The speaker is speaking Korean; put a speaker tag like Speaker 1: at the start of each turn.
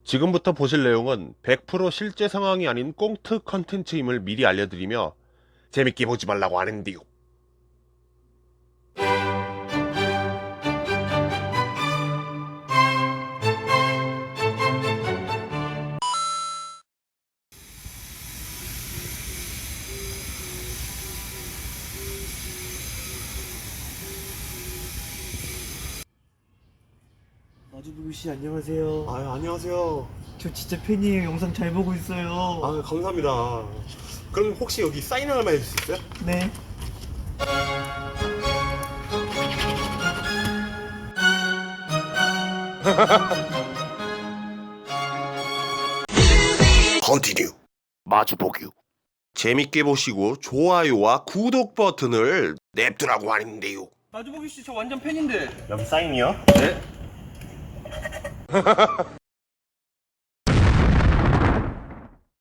Speaker 1: 지금부터 보실 내용은 100% 실제 상황이 아닌 꽁트 컨텐츠임을 미리 알려드리며 재밌게 보지 말라고 하는데요.
Speaker 2: 마주보기 안녕하세요.
Speaker 3: 안녕하세요.
Speaker 2: 저 진짜 팬이에요. 영상 잘 보고 있어요.
Speaker 3: 감사합니다. 그럼 혹시 여기 사인 하나만 해줄 수 있어요?
Speaker 2: 네.
Speaker 1: 컨티뉴 마주보기. 재밌게 보시고 좋아요와 구독 버튼을 냅두라고 하는데요.
Speaker 4: 마주보기 씨 저 완전 팬인데.
Speaker 3: 여기 사인이요?
Speaker 4: 네.